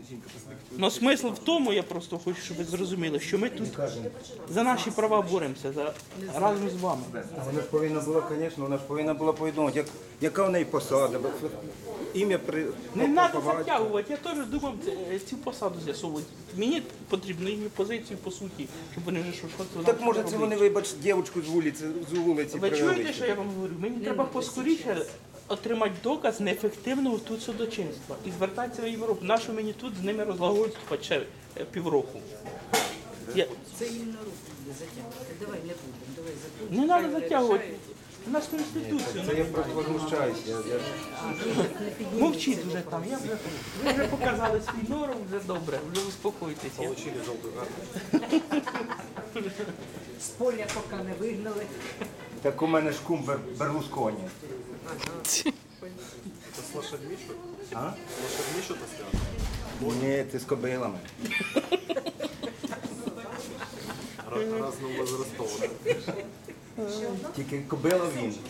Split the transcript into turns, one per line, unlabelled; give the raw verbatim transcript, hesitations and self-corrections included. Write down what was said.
Но смисл в тому, я просто хочу, щоб ви зрозуміли, що ми тут за наші права боремося за, разом з вами.
Вона ж повинна була, звісно, вона ж повинна була повідомити, як, яка в неї посада, бо ім'я при...
Не треба затягувати, я теж думав е, цю посаду з'ясовувати. Мені потрібно їхню позицію по суті, щоб вони вже що щось
Так може це вони, вибач, дівчинку з вулиці, з вулиці
Ви
привели?
чуєте, що я вам говорю? Мені треба поскоріше отримати доказ неефективного тут судочинства і звертатися в Європу. Нащо мені тут з ними розлагодствувати ще е, півроку? Я...
Це їм на руку буде затягувати. Давай не будемо, давай закрутимо.
Не треба затягувати. У нас Конституція.
Це я просто возмущаюся. Я, я...
Мовчіть вже там. Я вже, ви вже показали свій норм, вже добре, вже успокойтеся.
З поля поки не вигнали.
Так у мене ж кум Бер- Берлусконі.
Это с лошадьми что-то?
А?
С лошадьми что-то связано?
Ні, це з кобилами.
Ра- Разного возрастов, да?
Тільки кобила він.